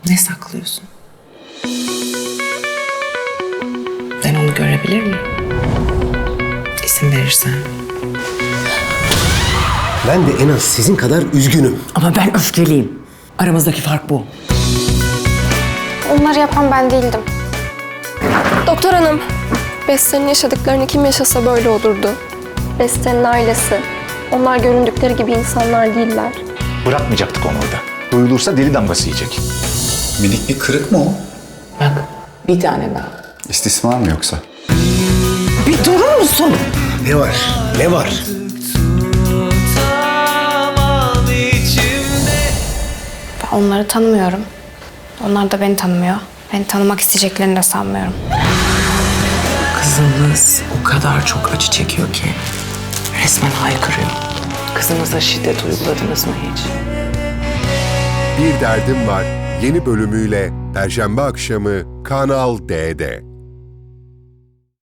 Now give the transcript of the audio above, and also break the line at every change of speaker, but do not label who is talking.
Ne saklıyorsun? Ben onu görebilir miyim? İsim verirsen.
Ben de en az sizin kadar üzgünüm.
Ama ben öfkeliyim. Aramızdaki fark bu.
Onları yapan ben değildim. Doktor hanım, Beste'nin yaşadıklarını kim yaşasa böyle olurdu. Beste'nin ailesi. Onlar göründükleri gibi insanlar değiller.
Bırakmayacaktık onu orada. Duyulursa deli damgası yiyecek.
Minik bir kırık mı o?
Bak, bir tane daha.
İstismar mı yoksa?
Bir durur musun?
Ne var? Ne var?
Ben onları tanımıyorum. Onlar da beni tanımıyor. Beni tanımak isteyeceklerini de sanmıyorum.
Kızınız o kadar çok acı çekiyor ki resmen haykırıyor. Kızınıza şiddet uyguladınız mı hiç?
Bir Derdim Var yeni bölümüyle Perşembe akşamı Kanal D'de.